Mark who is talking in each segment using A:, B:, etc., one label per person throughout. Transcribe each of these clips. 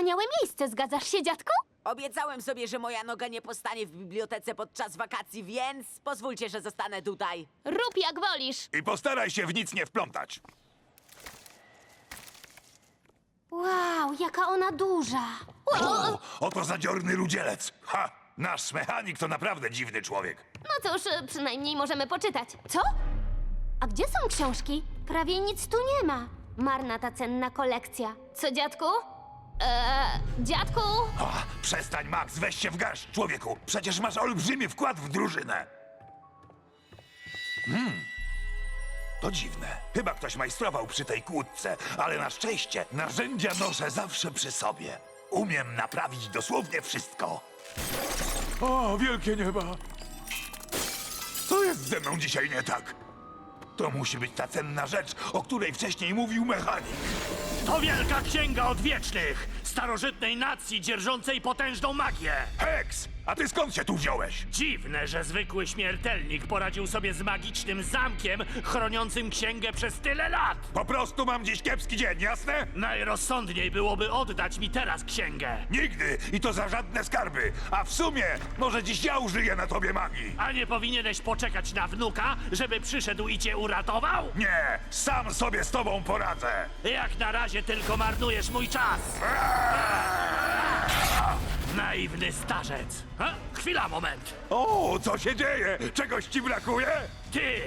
A: wspaniałe miejsce, zgadzasz się, dziadku?
B: Obiecałem sobie, że moja noga nie postanie w bibliotece podczas wakacji, więc pozwólcie, że zostanę tutaj.
A: Rób jak wolisz.
C: I postaraj się w nic nie wplątać.
A: Wow, jaka ona duża.
C: O, oto zadziorny rudzielec. Ha! Nasz mechanik to naprawdę dziwny człowiek.
A: No cóż, przynajmniej możemy poczytać. Co? A gdzie są książki? Prawie nic tu nie ma. Marna ta cenna kolekcja. Co, dziadku? Dziadku?
C: Ha, przestań, Max, weź się w garść, człowieku. Przecież masz olbrzymi wkład w drużynę. To dziwne. Chyba ktoś majstrował przy tej kłódce, ale na szczęście narzędzia noszę zawsze przy sobie. Umiem naprawić dosłownie wszystko. O, wielkie nieba! Co jest ze mną dzisiaj nie tak? To musi być ta cenna rzecz, o której wcześniej mówił mechanik.
D: To wielka księga odwiecznych, starożytnej nacji dzierżącej potężną magię.
C: Hex! A ty skąd się tu wziąłeś?
D: Dziwne, że zwykły śmiertelnik poradził sobie z magicznym zamkiem chroniącym księgę przez tyle lat.
C: Po prostu mam dziś kiepski dzień, jasne?
D: Najrozsądniej byłoby oddać mi teraz księgę.
C: Nigdy! I to za żadne skarby! A w sumie, może dziś ja użyję na tobie magii!
D: A nie powinieneś poczekać na wnuka, żeby przyszedł i cię uratował?
C: Nie! Sam sobie z tobą poradzę!
D: Jak na razie tylko marnujesz mój czas. Naiwny starzec. Chwila, moment.
C: O, co się dzieje? Czegoś ci brakuje?
D: Ty!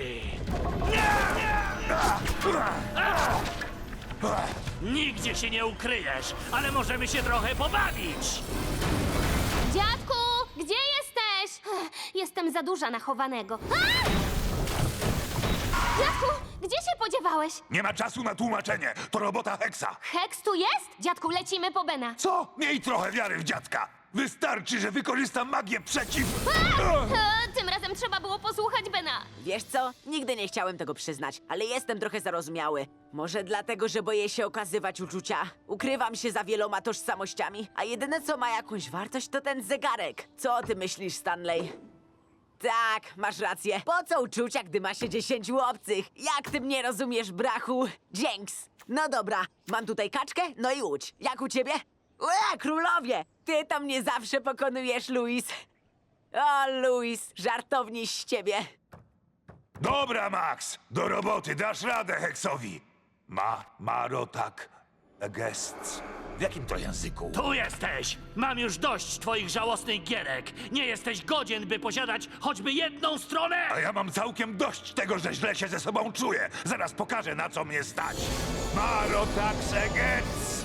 D: Nigdzie się nie ukryjesz, ale możemy się trochę pobawić.
A: Dziadku, gdzie jesteś? Jestem za duża na chowanego. A! Dziadku, gdzie się podziewałeś?
C: Nie ma czasu na tłumaczenie. To robota Hexa.
A: Hex tu jest? Dziadku, lecimy po Bena.
C: Co? Miej trochę wiary w dziadka. Wystarczy, że wykorzystam magię przeciw...
A: Tym razem trzeba było posłuchać Bena.
B: Wiesz co? Nigdy nie chciałem tego przyznać, ale jestem trochę zarozumiały. Może dlatego, że boję się okazywać uczucia. Ukrywam się za wieloma tożsamościami, a jedyne co ma jakąś wartość to ten zegarek. Co o tym myślisz, Stanley? Tak, masz rację. Po co uczucia, gdy ma się 10 obcych? Jak ty mnie rozumiesz, brachu? Dzięks. No dobra, mam tutaj kaczkę, no i łódź. Jak u ciebie? Królowie! Ty to mnie zawsze pokonujesz, Louis. O, Louis, żartowni z ciebie.
C: Dobra, Max. Do roboty. Dasz radę Hexowi. Marotak... Gests. W jakim to języku?
D: Tu jesteś! Mam już dość twoich żałosnych gierek. Nie jesteś godzien, by posiadać choćby jedną stronę!
C: A ja mam całkiem dość tego, że źle się ze sobą czuję. Zaraz pokażę, na co mnie stać. Marotaxegets!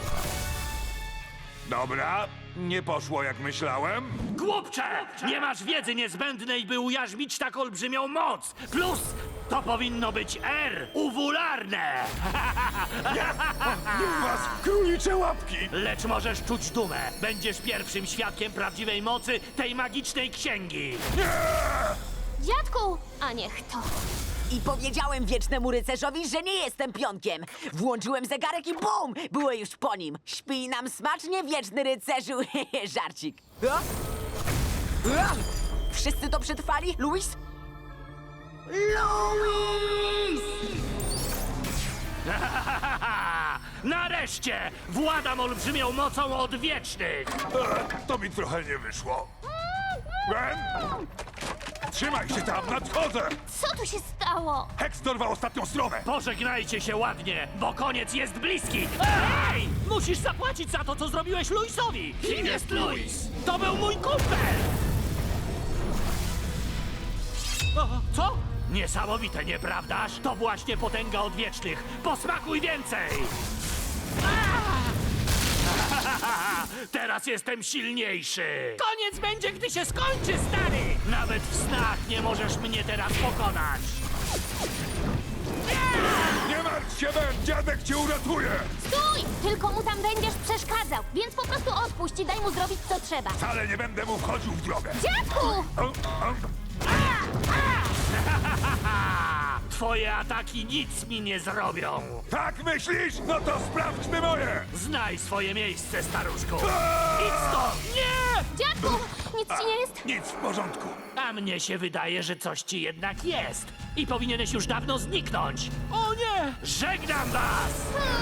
C: Dobra, nie poszło jak myślałem.
D: Głupcze! Nie masz wiedzy niezbędnej, by ujarzmić tak olbrzymią moc! Plus, to powinno być R, uwularne!
C: Nie was, królicze łapki!
D: Lecz możesz czuć dumę. Będziesz pierwszym świadkiem prawdziwej mocy tej magicznej księgi.
A: Dziadku! A niech to.
B: I powiedziałem wiecznemu rycerzowi, że nie jestem pionkiem. Włączyłem zegarek i bum! Było już po nim. Śpij nam smacznie, wieczny rycerzu. Żarcik. O? O? Wszyscy to przetrwali? Louis? Louis!
D: Nareszcie! Władam olbrzymią mocą odwiecznych!
C: To mi trochę nie wyszło. Ben? Trzymaj się tam, nadchodzę!
A: Co tu się stało?
C: Hex dorwał ostatnią stronę!
D: Pożegnajcie się ładnie, bo koniec jest bliski! Ej! Musisz zapłacić za to, co zrobiłeś Louisowi! Kim jest Louis? To był mój kumpel! O, co? Niesamowite, nieprawdaż? To właśnie potęga odwiecznych. Posmakuj więcej! Teraz jestem silniejszy! Koniec będzie, gdy się skończy, stary! Nawet w snach nie możesz mnie teraz pokonać!
C: Nie martw się, Ben! Dziadek cię uratuje!
A: Stój! Tylko mu tam będziesz przeszkadzał, więc po prostu odpuść i daj mu zrobić co trzeba.
C: Wcale nie będę mu wchodził w drogę!
A: Dziadku!
D: Twoje ataki nic mi nie zrobią!
C: Tak myślisz? No to sprawdźmy moje!
D: Znaj swoje miejsce, staruszku! Idź stąd! Nie!
A: Dziadku! Nic ci nie jest?
C: Nic w porządku.
D: A mnie się wydaje, że coś ci jednak jest. I powinieneś już dawno zniknąć. O nie! Żegnam was!